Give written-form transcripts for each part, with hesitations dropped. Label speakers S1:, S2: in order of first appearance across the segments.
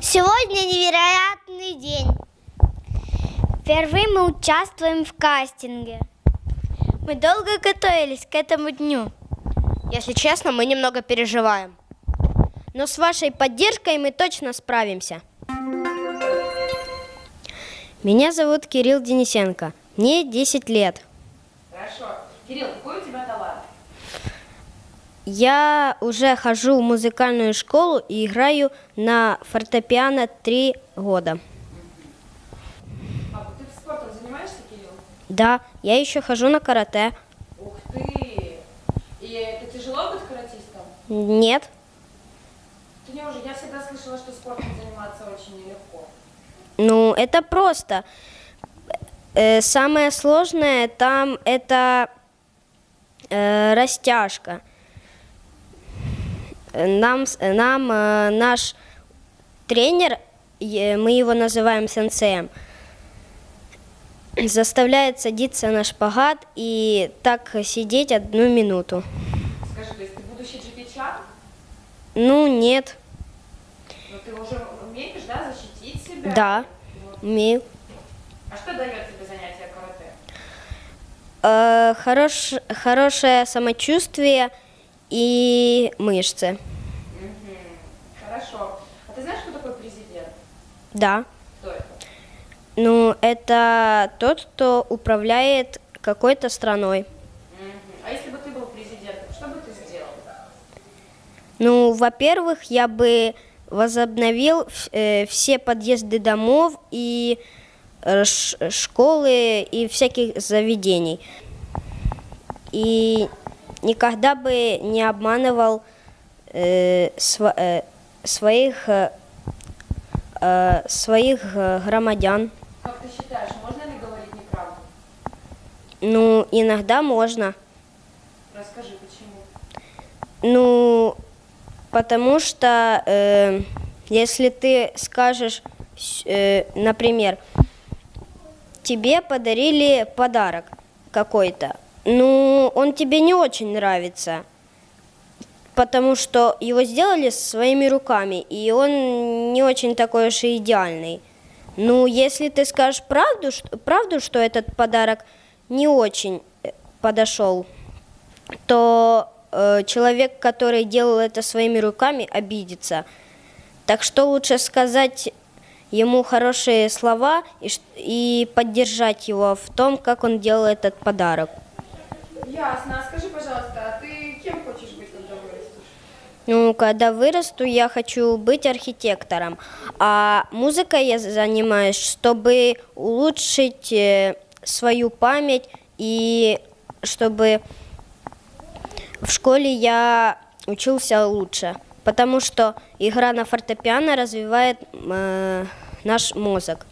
S1: Сегодня невероятный день. Впервые мы участвуем в кастинге. Мы долго готовились к этому дню.
S2: Если честно, мы немного переживаем. Но с вашей поддержкой мы точно справимся. Меня зовут Кирилл Денисенко. Мне 10 лет.
S3: Хорошо. Кирилл, какой у тебя талант?
S2: Я уже хожу в музыкальную школу и играю на фортепиано 3 года.
S3: А ты спортом занимаешься, Кирилл?
S2: Да, я еще хожу на карате.
S3: Ух ты! И это тяжело быть каратистом?
S2: Нет.
S3: Я всегда слышала, что спортом заниматься очень нелегко.
S2: Ну, это просто. Самое сложное там это растяжка. Нам наш тренер, мы его называем сенсеем, заставляет садиться на шпагат и так сидеть 1 минуту.
S3: Скажи, то есть ты будущий Джеки Чан?
S2: Ну, нет.
S3: Но ты уже умеешь, да, защитить себя?
S2: Да,
S3: Вот.
S2: умею.
S3: А что дает тебе занятие карате?
S2: Хорошее самочувствие и мышцы.
S3: Хорошо. А ты знаешь, кто такой президент?
S2: Да.
S3: Кто это?
S2: Ну, это тот, кто управляет какой-то страной.
S3: А если бы ты был президентом, что бы ты сделал?
S2: Ну, во-первых, я бы возобновил все подъезды домов и школы и всяких заведений. И никогда бы не обманывал своих громадян.
S3: Как ты считаешь, можно ли говорить неправду?
S2: Ну, иногда можно.
S3: Расскажи, почему?
S2: Ну, потому что если ты скажешь, например, тебе подарили подарок какой-то, ну, он тебе не очень нравится, потому что его сделали своими руками, и он не очень такой уж и идеальный. Ну, если ты скажешь правду, что этот подарок не очень подошел, то человек, который делал это своими руками, обидится. Так что лучше сказать ему хорошие слова и поддержать его в том, как он делал этот подарок.
S3: Ясно. А скажи, пожалуйста, а ты кем хочешь быть, когда вырастешь?
S2: Ну, когда вырасту, я хочу быть архитектором. А музыкой я занимаюсь, чтобы улучшить свою память и чтобы в школе я учился лучше. Потому что игра на фортепиано развивает наш мозг.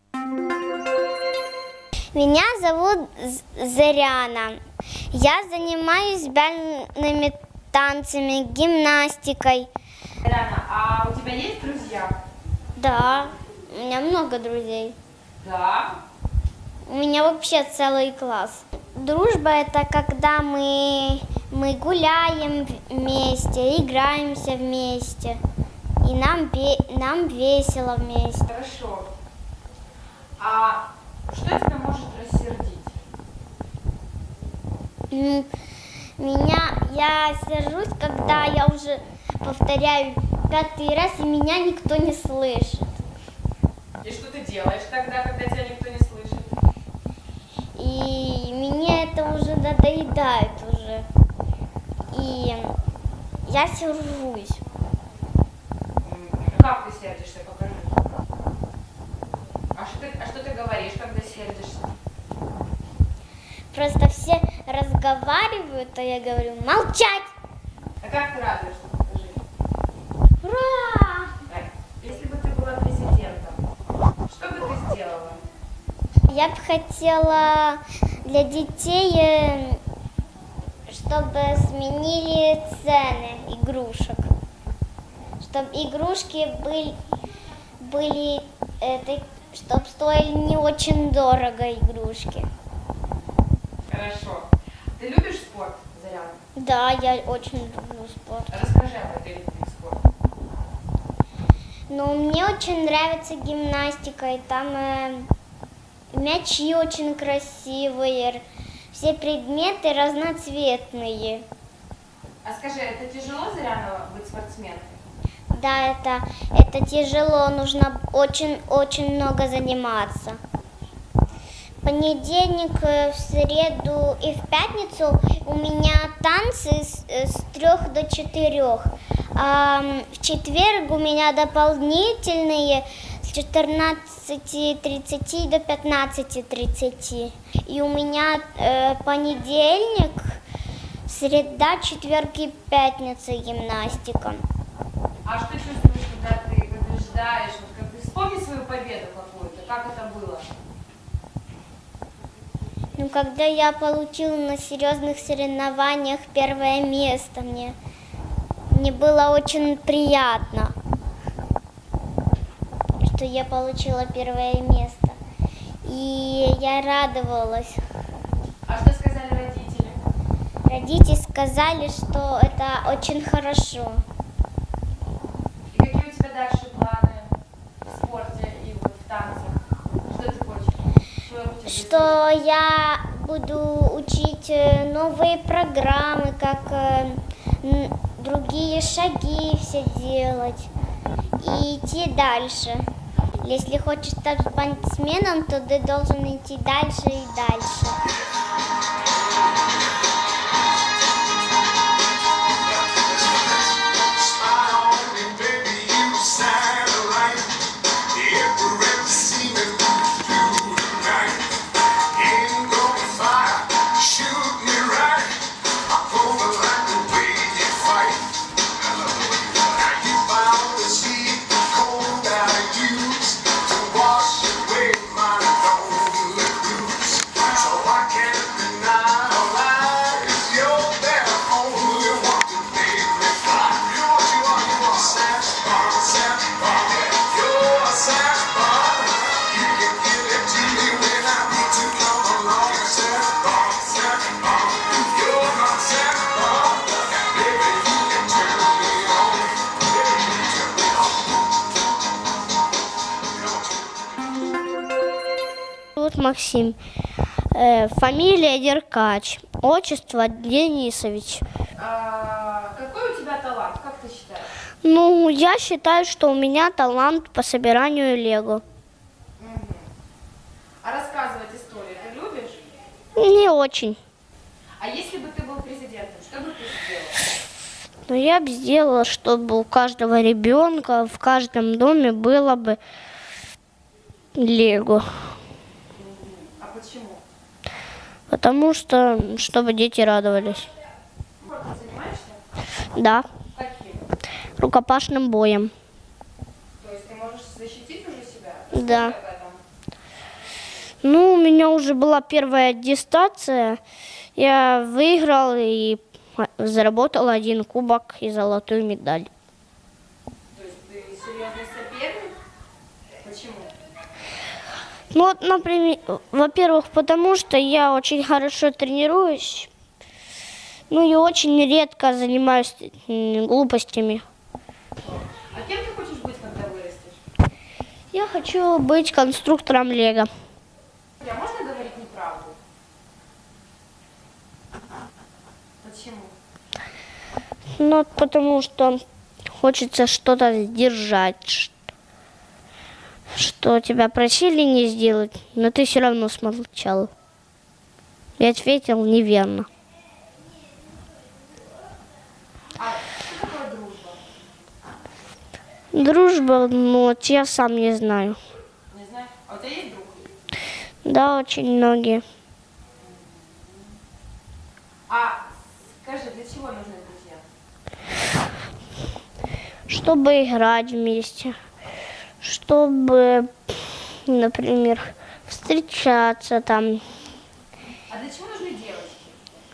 S1: Меня зовут Заряна. Я занимаюсь бальными танцами, гимнастикой.
S3: Рана, а у тебя есть друзья?
S1: Да, у меня много друзей.
S3: Да.
S1: У меня вообще целый класс. Дружба – это когда мы гуляем вместе, играемся вместе, и нам весело вместе.
S3: Хорошо. А что тебя может рассердить?
S1: Я сержусь, когда я уже повторяю 5-й раз, и меня никто не слышит.
S3: И что ты делаешь тогда, когда тебя никто не слышит?
S1: И мне это уже надоедает уже. И я сержусь.
S3: Как ты сердишься? Покажи. А что ты говоришь, когда сердишься?
S1: Просто все разговаривают, а я говорю: молчать!
S3: А как ты радуешься? Покажи.
S1: Ура!
S3: Так, если бы ты была президентом, что бы ты сделала?
S1: Я бы хотела для детей, чтобы сменили цены игрушек. Чтобы игрушки были чтобы стоили не очень дорого игрушки.
S3: Хорошо. Ты любишь спорт, Заряна?
S1: Да, я очень люблю спорт.
S3: Расскажи об этой любви к спорту.
S1: Ну, мне очень нравится гимнастика, и там мячи очень красивые, все предметы разноцветные.
S3: А скажи, это тяжело, Заряна, быть спортсменкой?
S1: Да, это тяжело, нужно очень много заниматься. В понедельник, в среду и в пятницу у меня танцы с 3 до 4. А в четверг у меня дополнительные с 14:30 до 15:30. И у меня понедельник, среда, четверг и пятница гимнастика.
S3: А что чувствуешь, когда ты побеждаешь? Вот как ты вспомни свою победу какую-то, как это было?
S1: Ну, когда я получила на серьезных соревнованиях первое место, мне было очень приятно, что я получила первое место. И я радовалась.
S3: А что сказали родители?
S1: Родители сказали, что это очень хорошо.
S3: И какие у тебя дальше планы в спорте и вот в танцах? Что ты хочешь?
S1: Что я буду учить новые программы, как другие шаги все делать и идти дальше. Если хочешь стать спортсменом, то ты должен идти дальше и дальше. Вот Максим, фамилия Деркач, отчество Денисович.
S3: Какой у тебя талант, как ты считаешь?
S1: Ну, я считаю, что у меня талант по собиранию лего.
S3: А рассказывать истории ты любишь?
S1: Не очень.
S3: А если бы ты был президентом, что бы ты сделал?
S1: Но я бы сделала, чтобы у каждого ребенка в каждом доме было бы лего.
S3: А почему?
S1: Потому что, чтобы дети радовались.
S3: Спортом занимаешься?
S1: Да,
S3: Каким?
S1: рукопашным боем.
S3: То есть ты можешь защитить уже себя?
S1: Да.
S3: Расскажи об этом.
S1: Ну, у меня уже была первая аттестация. Я выиграл и заработал 1 кубок и золотую медаль.
S3: То есть ты серьезный соперник? Почему?
S1: Ну, вот, например, во-первых, потому что я очень хорошо тренируюсь. Ну и очень редко занимаюсь глупостями.
S3: А кем ты хочешь быть, когда вырастешь?
S1: Я хочу быть конструктором лего.
S3: А можно говорить неправду? Почему?
S1: Ну, потому что хочется что-то сдержать, что тебя просили не сделать, но ты все равно смолчал. И ответил неверно.
S3: А что такое дружба?
S1: Дружба, ну, вот я сам не знаю.
S3: Не знаю. А у тебя есть друг?
S1: Да, очень многие.
S3: А скажи, для чего нужны друзья?
S1: Чтобы играть вместе, чтобы, например, встречаться там.
S3: А для чего нужны девочки?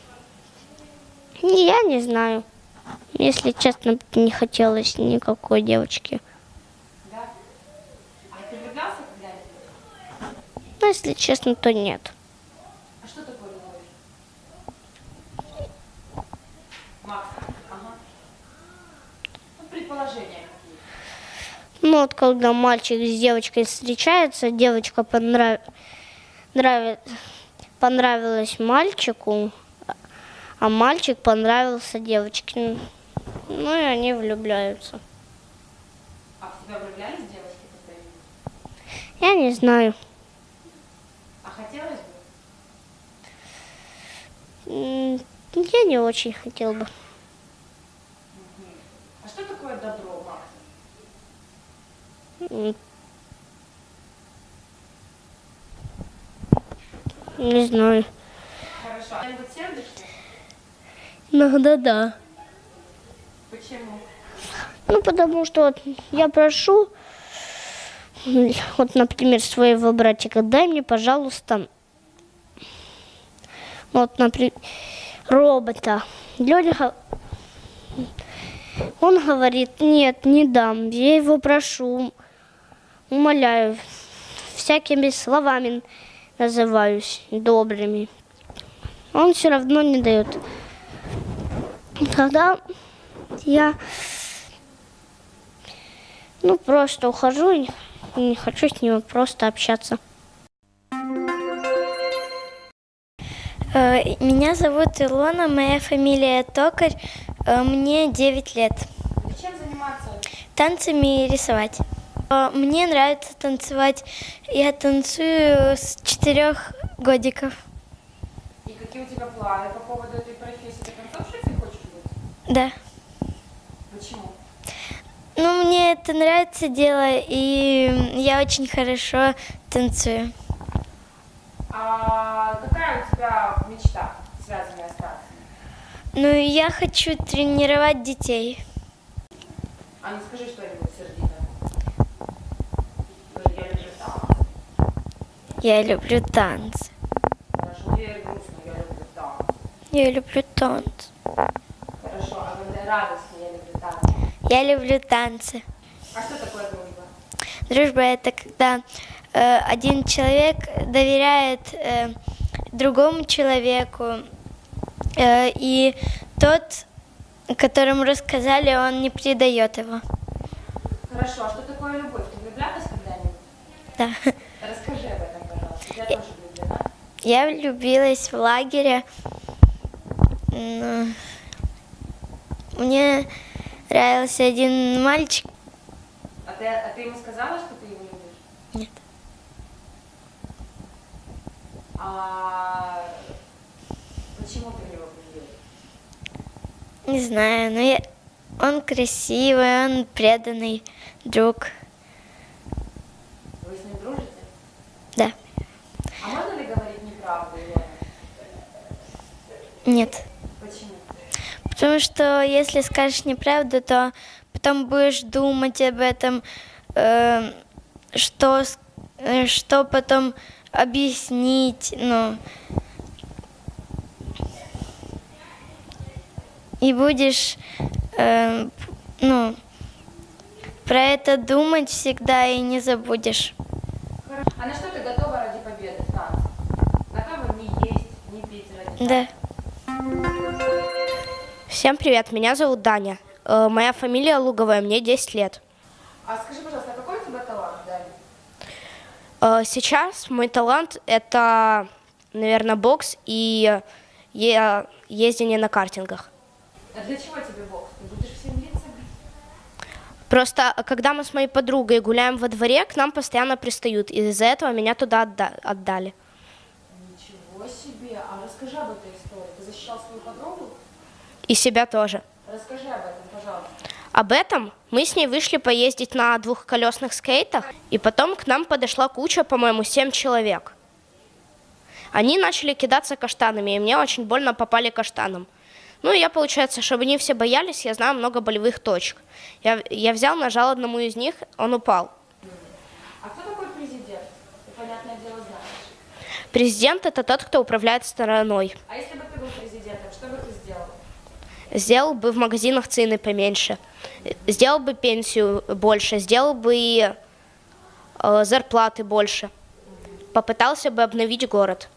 S1: Я не знаю. Если честно, не хотелось никакой девочки.
S3: Да? А ты влюблялся когда-нибудь?
S1: Но если честно, то нет.
S3: А что такое любовь? Макс, ага. Ну, предположения какие?
S1: Ну вот когда мальчик с девочкой встречается, девочка понравилась мальчику, а мальчик понравился девочке. Ну и они влюбляются.
S3: А в тебя влюблялись девочки, когда видели?
S1: Я не знаю.
S3: А хотелось бы?
S1: Я не очень хотел бы.
S3: А что такое добро, Макс?
S1: Не знаю.
S3: Хорошо. А кто-нибудь сердишься?
S1: Иногда да.
S3: Почему?
S1: Ну, потому что вот я прошу, вот, например, своего братика, дай мне, пожалуйста, вот, например, робота. Леня, он говорит, нет, не дам, я его прошу, умоляю, всякими словами называюсь добрыми. Он все равно не дает. Тогда я, просто ухожу и не хочу с ним просто общаться.
S4: Меня зовут Илона, моя фамилия Токарь, мне 9 лет.
S3: Чем заниматься?
S4: Танцами и рисовать. Мне нравится танцевать. Я танцую с 4 годиков.
S3: И какие у тебя планы по поводу этой профессии? Ты танцовщицей хочешь быть?
S4: Да.
S3: Почему?
S4: Ну, мне это нравится дело, и я очень хорошо танцую.
S3: А какая у тебя мечта, связанная с танцем?
S4: Ну, я хочу тренировать детей.
S3: А ну скажи что-нибудь сердитое. Скажи, я люблю танцы.
S4: Я люблю танцы.
S3: Хорошо, теперь грустно, я люблю танцы.
S4: Я люблю танцы.
S3: Хорошо, а когда радостно, я люблю танцы.
S4: Я люблю танцы.
S3: А что такое дружба?
S4: Дружба — это когда один человек доверяет другому человеку, и тот, которому рассказали, он не предает его.
S3: Хорошо, а что такое любовь? Ты влюблялась когда-нибудь?
S4: Да.
S3: Расскажи об этом, пожалуйста. Я тоже влюблена.
S4: Я влюбилась в лагере. Мне нравился один мальчик.
S3: А ты ему сказала, что ты его любишь?
S4: Нет.
S3: А почему ты в него влюбилась?
S4: Не знаю, но он красивый, он преданный друг.
S3: Вы с ним дружите?
S4: Да.
S3: А можно ли говорить неправду, Илона?
S4: Нет.
S3: Почему?
S4: Потому что если скажешь неправду, то потом будешь думать об этом, что потом объяснить, и будешь, про это думать всегда и не забудешь.
S3: Хорошо. А на что ты готова ради победы в танце? Готова не есть, не пить ради
S4: Да.
S2: Всем привет, меня зовут Даня. Моя фамилия Луговая, мне 10 лет.
S3: А скажи, пожалуйста, а какой у тебя талант, Даня?
S2: Сейчас мой талант — это, наверное, бокс и ездение на картингах.
S3: А для чего тебе бокс? Ты будешь всем лица бить?
S2: Просто когда мы с моей подругой гуляем во дворе, к нам постоянно пристают. И из-за этого меня туда отдали.
S3: Ничего себе. А расскажи об этой истории. Ты защищал свою подругу?
S2: И себя тоже.
S3: Расскажи об этом, пожалуйста.
S2: Об этом мы с ней вышли поездить на двухколесных скейтах, и потом к нам подошла куча, по-моему, 7 человек. Они начали кидаться каштанами, и мне очень больно попали каштаном. Ну, и я, получается, чтобы они все боялись, я знаю много болевых точек. Я взял, нажал одному из них, он упал.
S3: А кто такой президент? Ты, понятное дело, знаешь.
S2: Президент — это тот, кто управляет страной.
S3: А если бы ты был президентом, что бы ты сделал?
S2: Сделал бы в магазинах цены поменьше, сделал бы пенсию больше, сделал бы и зарплаты больше. Попытался бы обновить город.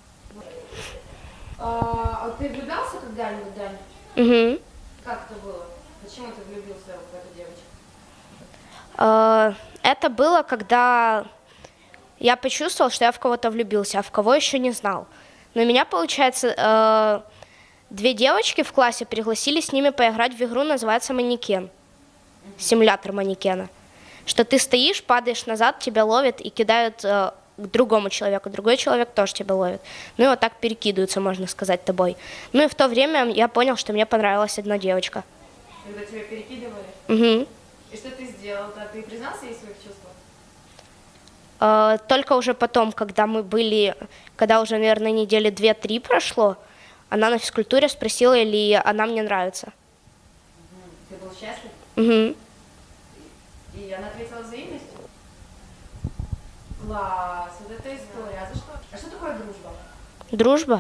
S3: А ты влюблялся когда-нибудь, Дань?
S2: Угу.
S3: Как это было? Почему ты влюбился в эту девочку?
S5: Это было, когда я почувствовал, что я в кого-то влюбился, а в кого еще не знал. Но меня, получается, 2 девочки в классе пригласили с ними поиграть в игру, называется «Манекен». Симулятор манекена. Что ты стоишь, падаешь назад, тебя ловят и кидают к другому человеку. Другой человек тоже тебя ловит. Ну и вот так перекидываются, можно сказать, тобой. Ну и в то время я понял, что мне понравилась одна девочка.
S3: Когда тебя перекидывали?
S5: Угу.
S3: И что ты сделал? Да, ты признался ей в своих чувствах?
S5: Только уже потом, когда мы были, когда уже, наверное, недели 2-3 прошло, она на физкультуре спросила, или она мне нравится.
S3: Ты был счастлив?
S5: Угу.
S3: И она ответила взаимностью? Класс, вот это история. А за что? А что такое дружба?
S5: Дружба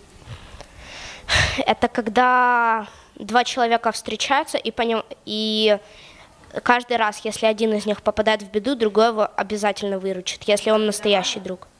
S5: – это когда 2 человека встречаются, и каждый раз, если один из них попадает в беду, другой его обязательно выручит, если он настоящий друг.